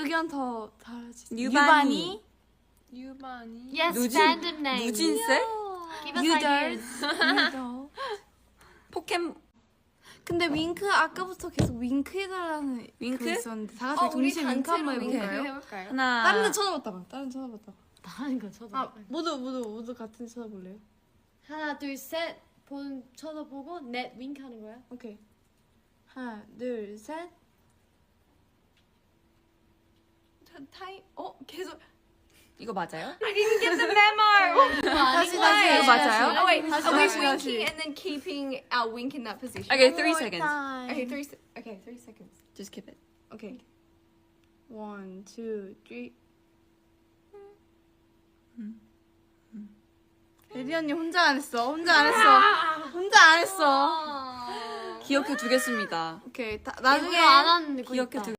의견 더 달아주세요. 유반이. Yes, 누진? fandom name. 누진세? Give us 유덜. ideas. 유덜. 근데 윙크 아까부터 계속 윙크 해달라는 윙크? 그거 있었는데 다 같이 동시에 윙크 한번 해볼까요? 해볼까요? 하나. 다른 데 쳐다봤다 봐. 다른 데 쳐다봤다. 다른 거 쳐다. 아 모두 같은 데 쳐다볼래요? 하나, 둘, 셋. 쳐다보고 넷 윙크 하는 거야? 오케이. 하나 둘 셋. 계속 이거 맞아요? 다시 이거 맞아요? Oh wait, 다시, are we 다시, 다시. winking and then keeping our wink in that position? Okay, 3 seconds. Okay, 3 seconds. Just keep it. 오케이. 1, 2, 3. 예리 언니 혼자 안 했어. 혼자 안 했어. 기억해 두겠습니다. 오케이. 나중에 안 하는 거 기억해 있다.